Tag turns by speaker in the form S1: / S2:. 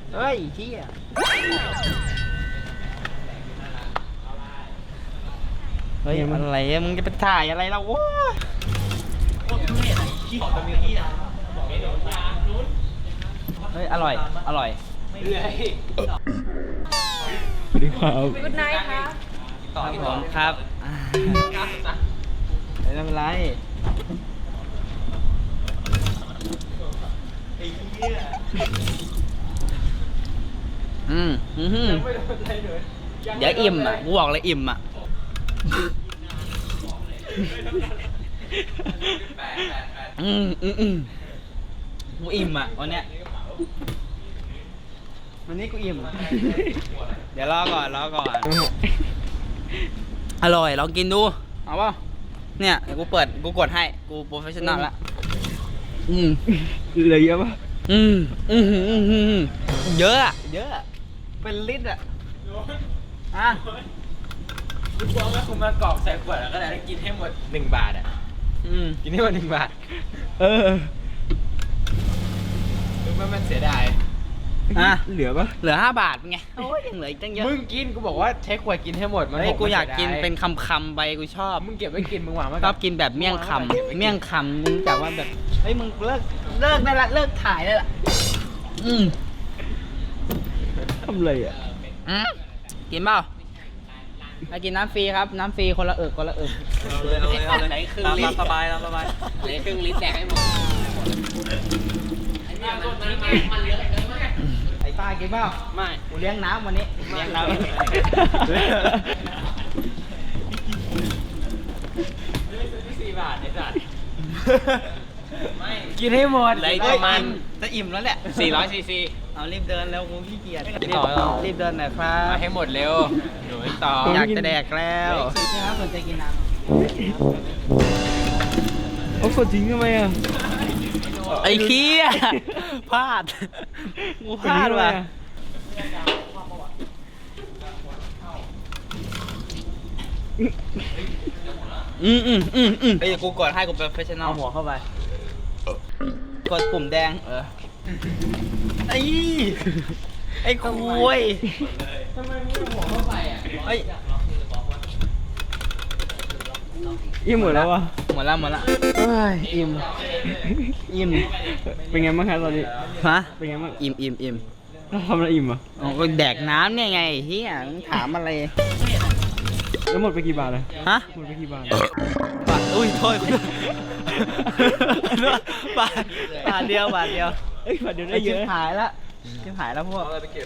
S1: เฮ้ยเฮียเฮ้ยอะไรอะมึงจะไปถ่ายอะไรเราโว้ยเฮ้ยอร่อยอร่อย
S2: สวัสดีครับ
S3: Good night ครับ
S1: ต่อที่ผมครับไม่เป็นไรเดี๋ยวอิ่มอ่ะกูบอกเลยอิ่มอ่ะกูอิ่มอ่ะวันเนี้ยวันนี้กูอิ่ม เดี๋ยวรอก่อนอร่อยลองกินดูเอาเปล่าเนี่ยเดี๋ยวกูกดให้กูโปรเฟชชั่นอลละ
S2: เหลือเยอะปะ
S1: เยอะอะเป็นลิตรอะ
S4: กูกลัวว่ากูมากรอกใส่ขวดแล้วก็ได้กินให้หมด1 บาทอ่ะกินให้หมด1 บาทรู้ไหมมันเสียดาย
S2: เหลือปะ
S1: เหลือ5 บาทเป็นไงโอ้ยยังเหลืออีกตั้งเยอะ
S4: มึงกินกูบอกว่าใช้ขวดกินให้หมดมัน
S1: เฮ้ย
S4: บ
S1: กูอยาก
S4: มั
S1: กิน
S4: สีด
S1: เป็นคำไปกูชอบ
S4: มึงเก็บไว้กินมึงหวังว่า
S1: ชอบกินแบบเมี่ยงคำมึงจากว่าแบบเฮ้ยมึงเลิกได้ละเลิกถ่ายได้ละ
S2: ทำอะไรอ่ะ
S1: กินเปล่าไปกินน้ำฟรีครับน้ำฟรีคนละเอิกเอาเลยไหนครึ่งลิตรสบายไหนครึ่งลิตรแดกให้หมดไอ้ป้ากินเปล่าไม่กูเลี้ยงน้ำวันนี้เลี้ยงน้ำ
S4: 4 บาทไอ้สัสไม่กินให้หมด
S1: เลยประมาณจะอิ่มแล้วแหละ
S4: 400 ซีซี
S1: เอารีบเดินแล้วกูขี้เกียจ
S4: ต่อ
S1: รีบเดินหน่อยครั
S4: มา
S1: บ
S4: ให้หมดเร็วหนูต่อ
S1: อยากจะแดกแล้วครับสนใจกินน้ำ
S2: เอากดทิ้งทำไมอ่ะ
S1: ไอ้เคี้ยพลาดกูพลาดว่ะไอ้กูกดให้กูเป็นโปรเฟชชั่นอลหัวเข้าไปกดปุ่มแดงไอ้คุยทำไมมึงหัวเข้าไปอ่ะเฮ้ย
S2: อิ่มหมดแล้ววะ
S1: หมดละเอ้ยอิ่ม
S2: เป็นไงบ้างครับตอนนี้
S1: ฮะ
S2: เป็นไงบ้าง
S1: อิ่ม
S2: เราทำอะไรอิ่มอ่ะ
S1: อ๋อก็แดกน้ำเนี่ยไงเฮียมึงถามอะไร
S2: แล้วหมดไปกี่บาทเลย
S1: ฮะ
S2: หมดไปกี่บาท
S1: บาทอุ้ยโทษบาทเดียว
S2: เอ้ยบาทเดียวได้เยอะ
S1: ชิบหายแล้วพวก